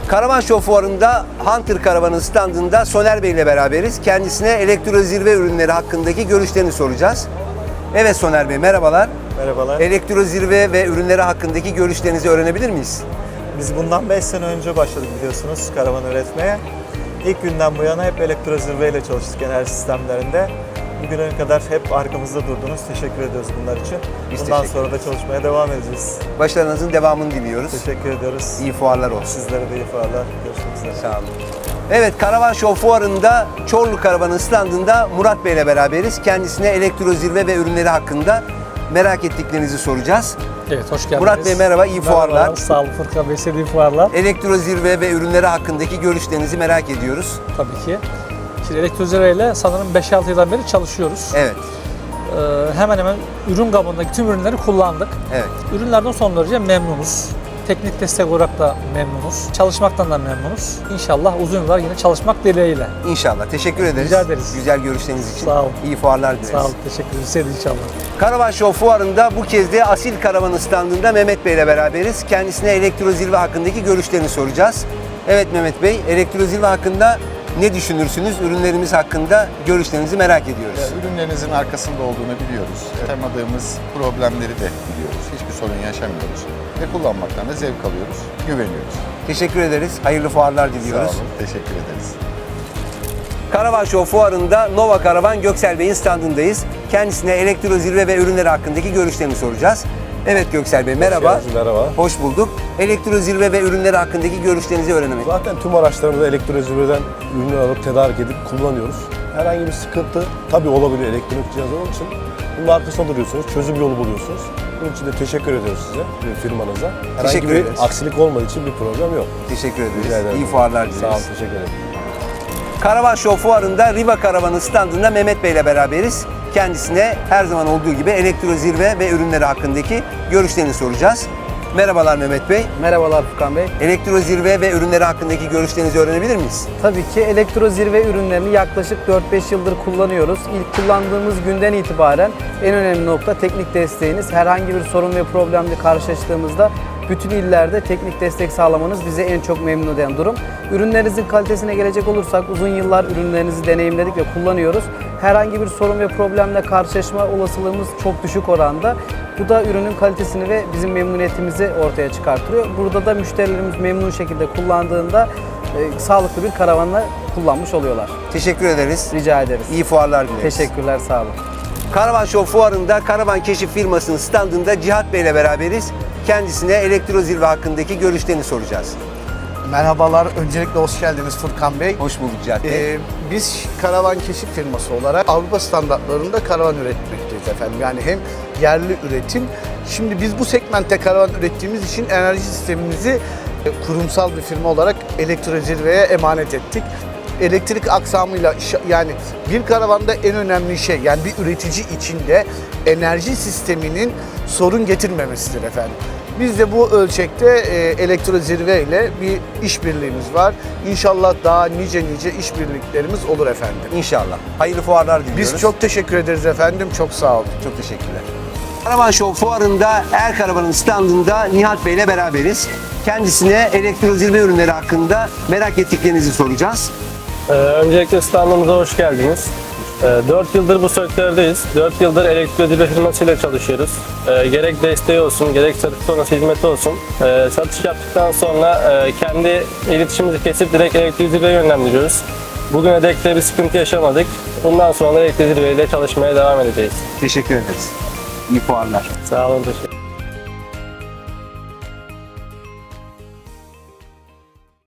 Karavan Show fuarında Hunter Karavan'ın standında Soner Bey ile beraberiz. Kendisine elektro zirve ürünleri hakkındaki görüşlerini soracağız. Evet Soner Bey, merhabalar. Merhabalar. Elektro zirve ve ürünleri hakkındaki görüşlerinizi öğrenebilir miyiz? Biz bundan 5 sene önce başladık biliyorsunuz karavan üretmeye. İlk günden bu yana hep elektro zirveyle çalıştık enerji sistemlerinde. Bugüne kadar hep arkamızda durdunuz. Teşekkür ediyoruz bunlar için. Biz Bundan teşekkür sonra da çalışmaya devam edeceğiz. Başarınızın devamını diliyoruz. Teşekkür ediyoruz. İyi fuarlar olsun. Sizlere de iyi fuarlar. Görüşmek üzere. Sağ olun. Evet, Karavan Show fuarında Çorlu Karavan'ın standında Murat Bey ile beraberiz. Kendisine elektro zirve ve ürünleri hakkında merak ettiklerinizi soracağız. Evet, hoş geldiniz. Murat Bey merhaba, iyi fuarlar. Merhaba, sağ olun Furkan Bey, size de iyi fuarlar. Elektro zirve ve ürünleri hakkındaki görüşlerinizi merak ediyoruz. Tabii ki. Şimdi Elektrozirve ile sanırım 5-6 yıldan beri çalışıyoruz. Evet, Hemen hemen ürün gamındaki tüm ürünleri kullandık. evet. Ürünlerden son derece memnunuz. Teknik destek olarak da memnunuz. Çalışmaktan da memnunuz. İnşallah uzun yıllar yine çalışmak dileğiyle. İnşallah. Teşekkür ederiz. Rica ederiz. Güzel görüşleriniz için. Sağ olun. İyi fuarlar dileriz. Sağ olun, teşekkür ederiz. Size de inşallah. Karavan Show fuarında bu kez de Asil Karavan'ın standında Mehmet Bey ile beraberiz. Kendisine elektro zirve hakkındaki görüşlerini soracağız. Evet Mehmet Bey, elektro zirve hakkında ne düşünürsünüz? Ürünlerimiz hakkında görüşlerinizi merak ediyoruz. Ürünlerinizin arkasında olduğunu biliyoruz. Yaşamadığımız problemleri de biliyoruz. Hiçbir sorun yaşamıyoruz. Ve kullanmaktan da zevk alıyoruz, güveniyoruz. Teşekkür ederiz. Hayırlı fuarlar diliyoruz. Sağ olun, teşekkür ederiz. Karavan Show fuarında Nova Karavan Göksel Bey'in standındayız. Kendisine elektro zirve ve ürünleri hakkındaki görüşlerini soracağız. Evet Göksel Bey, merhaba. Merhaba. Hoş bulduk. Elektro zirve ve ürünleri hakkındaki görüşlerinizi öğrenemek. Zaten tüm araçlarımızda elektrozirveden ürünler alıp tedarik edip kullanıyoruz. Herhangi bir sıkıntı tabii olabiliyor elektronik cihaz olduğu için. Bunun arkasında duruyorsunuz, çözüm yolu buluyorsunuz. Bunun için de teşekkür ediyoruz size ve firmanıza. Herhangi Teşekkür bir ederiz. aksilik olmadığı için bir problem yok. Teşekkür Rica ederiz. ederim. İyi fuarlar dileriz. Sağ olun, teşekkür ederim. Karavan Show fuarında Riva Karavan'ın standında Mehmet Bey ile beraberiz. Kendisine her zaman olduğu gibi elektro zirve ve ürünleri hakkındaki görüşlerini soracağız. Merhabalar Mehmet Bey. Merhabalar Furkan Bey. Elektro zirve ve ürünleri hakkındaki görüşlerinizi öğrenebilir miyiz? Tabii ki elektro zirve ürünlerini yaklaşık 4-5 yıldır kullanıyoruz. İlk kullandığımız günden itibaren en önemli nokta teknik desteğiniz. Herhangi bir sorun ve problemle karşılaştığımızda bütün illerde teknik destek sağlamanız bizi en çok memnun eden durum. Ürünlerinizin kalitesine gelecek olursak uzun yıllar ürünlerinizi deneyimledik ve kullanıyoruz. Herhangi bir sorun ve problemle karşılaşma olasılığımız çok düşük oranda. Bu da ürünün kalitesini ve bizim memnuniyetimizi ortaya çıkartıyor. Burada da müşterilerimiz memnun şekilde kullandığında sağlıklı bir karavanla kullanmış oluyorlar. Teşekkür ederiz. Rica ederiz. İyi fuarlar dileriz. Teşekkürler, sağ olun. Karavan Show fuarında Karavan Keşif firmasının standında Cihat Bey ile beraberiz. Kendisine elektro zirve hakkındaki görüşlerini soracağız. Merhabalar, öncelikle hoş geldiniz Furkan Bey. Hoş bulduk Cihat Bey. Biz karavan keşif firması olarak Avrupa standartlarında karavan üretmekteyiz efendim. Yani hem yerli üretim, şimdi biz bu segmentte karavan ürettiğimiz için enerji sistemimizi kurumsal bir firma olarak elektro zirveye emanet ettik. Elektrik aksamıyla yani bir karavanda en önemli şey yani bir üretici içinde enerji sisteminin sorun getirmemesidir efendim. Biz de bu ölçekte elektro zirve ile bir işbirliğimiz var. İnşallah daha nice işbirliklerimiz olur efendim. İnşallah. Hayırlı fuarlar diliyoruz. Biz çok teşekkür ederiz efendim. Çok sağ olun. Çok teşekkürler. Karavan Show fuarında Er Karavan'ın standında Nihat Bey ile beraberiz. Kendisine elektro zirve ürünleri hakkında merak ettiklerinizi soracağız. Öncelikle standımıza hoş geldiniz. 4 yıldır bu sektördeyiz. 4 yıldır elektrozirve firmasıyla çalışıyoruz. Gerek desteği olsun, gerek satış sonrası hizmeti olsun. Satış yaptıktan sonra kendi iletişimimizi kesip direkt elektrozirveye yönlendiriyoruz. Bugüne dek de bir sıkıntı yaşamadık. Bundan sonra elektrozirve ile çalışmaya devam edeceğiz. Teşekkür ederiz. İyi fuarlar. Sağ olun, teşekkür ederim.